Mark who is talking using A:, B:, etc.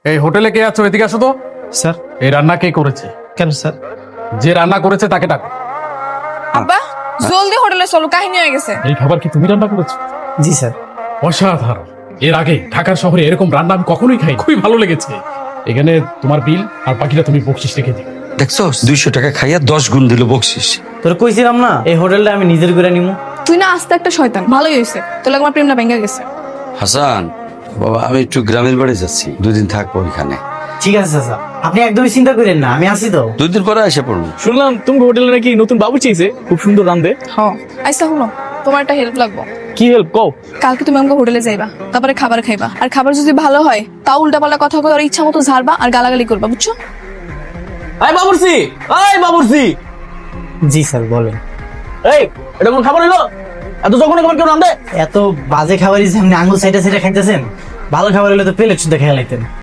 A: এই হোটেলে কে আছো? এদিকে আসো তো।
B: স্যার।
A: এই রান্না কে করেছে?
B: কেন স্যার?
A: যে রান্না করেছে তাকে ডাকো।
C: আব্বা জলদি হোটেলে চলো, কাহিনী হয়ে গেছে।
A: এই খাবার কি তুমি রান্না করেছো?
B: জি স্যার।
A: অসাধারণ। এর আগে ঢাকার শহরে এরকম রান্না আমি কখনোই খাই, খুবই ভালো লেগেছে। এখানে তোমার বিল আর বাকিটা তুমি বকশিস রেখে দিও।
D: দেখছো 200 টাকা খাইয়া 10 গুণ দিল বকশিস।
B: তোর কইছিলাম না এই হোটেলটা আমি নিজের করে নিমু।
C: তুই না আস্তে একটা শয়তান, ভালোই হয়েছে তোর আমার প্রেমটা ভেঙে গেছে।
D: হাসান বাবা, আমি একটু গ্রামের বাড়ি যাচ্ছি, 2 দিন থাকবো ওইখানে।
B: ঠিক আছে চাচা, আপনি একদমই চিন্তা করেন না, আমি আছি তো।
D: 2 দিন পরে এসে পড়বো।
E: শুনলাম তুমি হোটেলে নাকি নতুন বাবু চেয়েছে, খুব সুন্দর রান্ধে।
C: হ্যাঁ আইসা হলো, তোমার একটা হেল্প লাগবো।
E: কি হেল্প কও?
C: কালকে তুমি আমাকে হোটেলে যাইবা, তারপরে খাবার খাইবা, আর খাবার যদি ভালো হয় তাও উল্টাপাল্টা কথা কই আর ইচ্ছা মতো ঝাড়বা আর গালাগালি করবা, বুঝছো?
E: এই বাবুর্চি, এই বাবুর্চি,
B: জি স্যার বলেন।
E: এই এটা কোন খাবার হলো? এত যখন খাবার কেউ রান্ধে?
B: এত বাজে খাবারই যে আপনি আঙুল সাইডে সাইডে খাইতেছেন, ভালো খাবার হলে তো প্লেট শুদ্ধ খেয়ে লাইতেন।